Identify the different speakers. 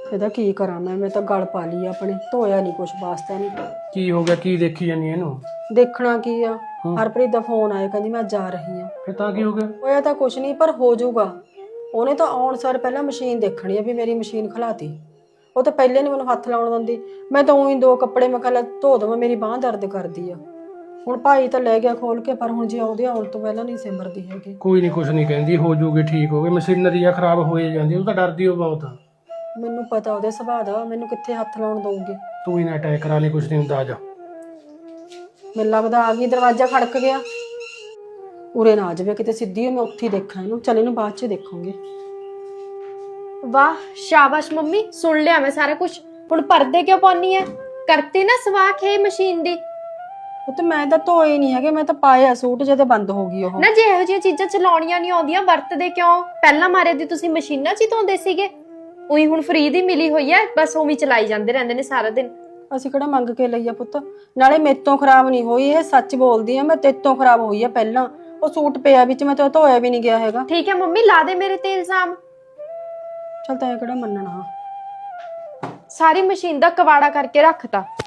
Speaker 1: ਇਹਦਾ ਕੀ ਕਰਾਂ ਮੈਂ ਤਾਂ ਗਲ ਪਾ ਲਈ ਆਪਣੇ, ਧੋਇਆ ਨਹੀਂ ਕੁਛ ਵਾਸਤਾ ਨਹੀਂ।
Speaker 2: ਕੀ ਹੋ ਗਿਆ? ਕੀ ਦੇਖੀ ਜਾਨੀ ਇਹਨੂੰ?
Speaker 1: ਦੇਖਣਾ ਕੀ ਆ, ਹਰਪ੍ਰੀਤ ਦਾ ਫੋਨ ਆਇਆ, ਕਹਿੰਦੀ ਮੈਂ ਜਾ ਰਹੀ ਆ।
Speaker 2: ਫਿਰ ਤਾਂ ਕੀ ਹੋ ਗਿਆ?
Speaker 1: ਹੋਇਆ ਤਾਂ ਕੁਛ ਨਹੀਂ, ਪਰ ਹੋ ਜਾਊਗਾ। ਉਹਨੇ ਤਾਂ ਆਉਣ ਸਾਰ ਪਹਿਲਾਂ ਮਸ਼ੀਨ ਦੇਖਣੀ ਆ ਵੀ ਮੇਰੀ ਮਸ਼ੀਨ ਖਲਾਤੀ। ਉਹ ਤਾਂ ਪਹਿਲੇ ਨਹੀਂ ਮੈਨੂੰ ਹੱਥ ਲਾਉਣ ਦਿੰਦੀ। ਮੈਂ ਤਾਂ ਉਹੀ 2 ਕੱਪੜੇ ਮੈਂ ਕਿਹਾ ਧੋ ਦੇਵਾਂ, ਮੇਰੀ ਬਾਂਹ ਦਰਦ ਕਰਦੀ ਆ। ਹੁਣ ਭਾਈ ਤਾਂ ਲੈ ਗਿਆ ਖੋਲ ਕੇ, ਪਰ ਹੁਣ ਜੇ ਆਉਂਦੇ ਆਉਣ ਤੋਂ ਪਹਿਲਾਂ ਨਹੀਂ ਸਿਮਰਦੀ ਹੈਗੀ।
Speaker 2: ਕੋਈ ਨਹੀਂ, ਕੁਛ ਨਹੀਂ ਕਹਿੰਦੀ, ਹੋ ਜੂਗੀ, ਠੀਕ ਹੋ ਗਈ। ਮਸ਼ੀਨਰੀ ਆ ਖਰਾਬ ਹੋਏ ਜਾਂਦੀ, ਉਹ ਤਾਂ ਡਰਦੀ ਹੋ ਬਹੁਤ।
Speaker 1: ਮੈਨੂੰ ਪਤਾ ਉਹਦੇ ਸੁਭਾਅ ਦਾ, ਮੈਨੂੰ ਕਿੱਥੇ ਹੱਥ ਲਾਉਣ ਦਊਗੀ।
Speaker 2: ਤੂੰ ਹੀ ਨਾ ਅਟੈਕ ਕਰਾ ਲਈ, ਕੁਛ ਨਹੀਂ ਹੁੰਦਾ। ਆ ਜਾ।
Speaker 1: ਮੈਨੂੰ ਲੱਗਦਾ ਆ ਗਈ, ਦਰਵਾਜ਼ਾ ਖੜਕ ਗਿਆ। ਉਰੇ ਨਾ ਆ ਜਾਵੇ ਕਿਤੇ, ਸਿੱਧੀ ਮੈਂ ਉੱਥੇ ਹੀ ਦੇਖਾਂ ਇਹਨੂੰ। ਚੱਲ ਇਹਨੂੰ ਬਾਅਦ ਚ ਦੇਖਾਂਗੇ।
Speaker 3: ਵਾਹ ਸ਼ਾਬਾਸ਼ ਮੰਮੀ, ਸੁਣ ਲਿਆ ਮੈਂ ਸਾਰਾ ਕੁਝ। ਹੁਣ ਪਰਦੇ ਕਿਉਂ ਪਾਉਣੀ ਐ? ਕਰਤੀ ਨਾ ਸਵਾਖ ਇਹ ਮਸ਼ੀਨ ਦੀ।
Speaker 1: ਉਹ ਤੇ ਮੈਂ ਤਾਂ ਧੋਏ ਨਹੀਂ ਹੈਗੇ, ਮੈਂ ਤਾਂ ਪਾਇਆ ਸੂਟ ਜਦੋਂ ਬੰਦ ਹੋ ਗਈ ਉਹ।
Speaker 3: ਨਾ ਜੇ ਇਹੋ ਜਿਹੀਆਂ ਚੀਜ਼ਾਂ ਚਲਾਉਣੀਆਂ ਨਹੀਂ ਆਉਂਦੀਆਂ, ਵਰਤਦੇ ਕਿਉਂ? ਪਹਿਲਾਂ ਮਾਰੇ ਦੀ ਤੁਸੀਂ ਮਸ਼ੀਨਾਂ 'ਚ ਹੀ ਧੋਂਦੇ ਸੀਗੇ। ਉਹੀ ਹੁਣ ਫ੍ਰੀ ਦੀ ਮਿਲੀ ਹੋਈ ਐ, ਬਸ ਉਵੇਂ ਚਲਾਈ ਜਾਂਦੇ ਰਹਿੰਦੇ ਨੇ ਸਾਰਾ ਦਿਨ।
Speaker 1: ਅਸੀਂ ਕਿਹੜਾ ਮੰਗ ਕੇ ਲਈ ਆ ਪੁੱਤ? ਨਾਲੇ ਮੇਰੇ ਤੋਂ ਖਰਾਬ ਨਹੀਂ ਹੋਈ, ਇਹ ਸੱਚ ਬੋਲਦੀ ਆ। ਮੈਂ ਤੇਰੇ ਤੋਂ ਖਰਾਬ ਹੋਈ ਆ ਪਹਿਲਾਂ। ਉਹ ਸੂਟ ਪਿਆ ਵਿੱਚ, ਮੈਂ ਤਾਂ ਧੋਇਆ ਵੀ ਨਹੀਂ ਗਿਆ ਹੈਗਾ।
Speaker 3: ਠੀਕ ਹੈ ਮੰਮੀ, ਲਾ ਦੇ ਮੇਰੇ ਤੇ ਇਲਜ਼ਾਮ।
Speaker 1: ਚੱਲ ਤੈਂ ਕਿਹੜਾ ਮੰਨਣਾ।
Speaker 3: ਸਾਰੀ ਮਸ਼ੀਨ ਦਾ ਕਵਾੜਾ ਕਰਕੇ ਰੱਖਤਾ।